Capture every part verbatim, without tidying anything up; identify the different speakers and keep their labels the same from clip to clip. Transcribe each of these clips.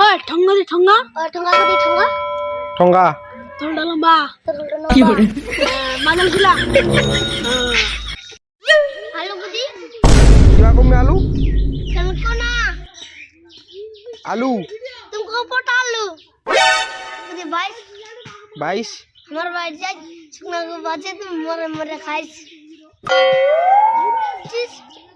Speaker 1: ওই ঠঙ্গা দি ঠঙ্গা
Speaker 2: ওই ঠঙ্গা দি ঠঙ্গা
Speaker 3: ঠঙ্গা
Speaker 1: ঠোঁটটা লম্বা
Speaker 2: তোরটা
Speaker 3: কি
Speaker 2: লম্বা
Speaker 3: করে
Speaker 1: মাঝাল খিলা
Speaker 2: আলু বুঝি
Speaker 3: কিরকম আলু
Speaker 2: तुमको ना
Speaker 3: আলু
Speaker 2: तुमको पता आलू मुझे भाई
Speaker 3: বাইশ
Speaker 2: हमारे भाई जाए सुना को बाजे तुम मरे मरे खाइस चीज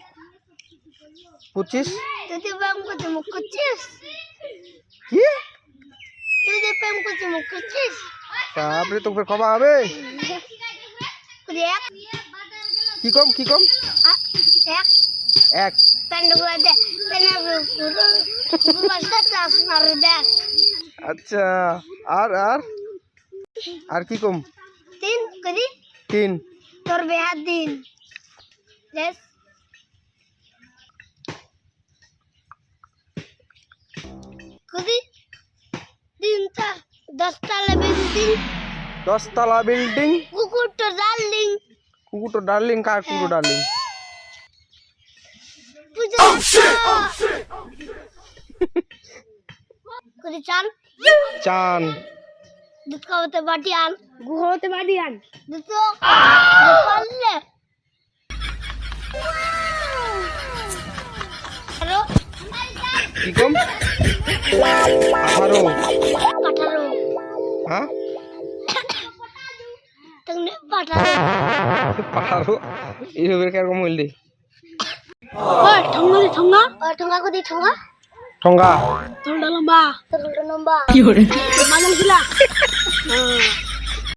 Speaker 3: পঁচিশ
Speaker 2: तू तो पैम को तुम कुछ चीज
Speaker 3: কি
Speaker 2: तू तो पैम को तुम कुछ चीज
Speaker 3: তারপরে তো ফের কবা হবে
Speaker 2: कुछ एक
Speaker 3: কি কম কি কম
Speaker 2: आ, एक
Speaker 3: এক
Speaker 2: पेंड को दे तेने पूरा पूरा क्लास मार दे
Speaker 3: আচ্ছা আর আর আর কি কম
Speaker 2: तीन करी
Speaker 3: তিন
Speaker 2: तोर बेहात दिन यस कदी दिन ता दस ताला बिल्डिंग
Speaker 3: দশতলা বিল্ডিং
Speaker 2: कुकुर तो डार्लिंग
Speaker 3: কুকুরটো ডার্লিং কার কুকুর ডার্লিং
Speaker 2: पूजा कदी चान
Speaker 3: চান
Speaker 2: दूध का होते बाटी आन
Speaker 1: গুহতে বাড়ি আন
Speaker 2: दूध तो पाले हेलो
Speaker 3: কি কম আঠারো
Speaker 2: पठारो
Speaker 3: হ্যাঁ
Speaker 2: तुमने पठारो
Speaker 3: আঠারো এইভাবে কিরকম হইলি
Speaker 1: ওই ঠঙ্গা দি ঠঙ্গা
Speaker 2: और ठंगा को दी ठंगा
Speaker 3: ঠঙ্গা
Speaker 1: ঠোঁটটা লম্বা
Speaker 2: তোরটা লম্বা
Speaker 3: কি করে
Speaker 1: মাঝাল খিলা